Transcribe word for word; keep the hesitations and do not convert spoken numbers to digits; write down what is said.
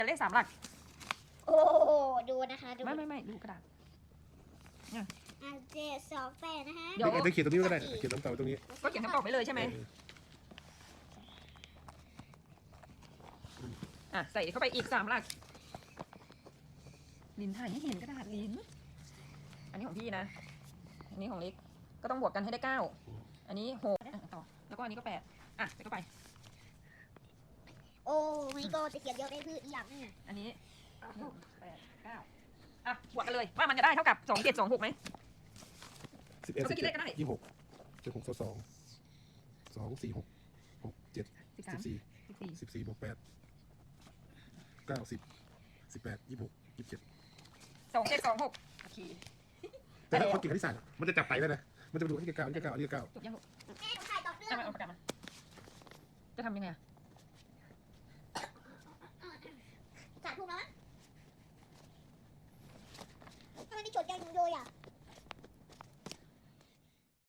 เลขสามหลักโอ้ดูนะคะดูไม่ไม่ไม่ดูกระดาษอ่ะเจ็ดสองแปดนะคะเดี๋ยวเดี๋ยวเขียนตรงนี้ก็ได้เขียนตรงเต่าตรงนี้ก็เขียนคำตอบไปเลยใช่ไหมอ่ะใส่เข้าไปอีกสามหลักลินถ่ายให้เห็นกระดาษลินอันนี้ของพี่นะอันนี้ของเล็กก็ต้องบวกกันให้ได้เก้าอันนี้หกอ่ะต่อแล้วก็อันนี้ก็แปดอ่ะใส่เข้าไปโอ้ไม่ก็จะเขียนเยอะได้คืออีกอย่างนึงอันนี้หกแปดเก้าอ่ะบวกกันเลยว่ามันจะได้เท่ากับสองเจ็ดสองหกไหมสิบเอ็ดเขาสิจะบคิดเจ็เลขก็ได้ดยี่หกเจ็ดหกสองสองสี่หกหกเจ็ดสิบสิสามบสี่สิบสี่สิบสี่บวกแปดเก้าสิบสิบแปดยี่หกยี่สิบเจ็ดสองเจ็ดสองหกโอเคแต่ถ้าคนเก่งคณิตศาสตร์อะมันจะจับไปได้นะมันจะไปดูอันนี้เก้าอันนี้เก้าอันนี้เก้าจบยังลูกแม่ผมถ่ายต่อเนื่องเอามาเอาปากกามาจะทำยังไงอะ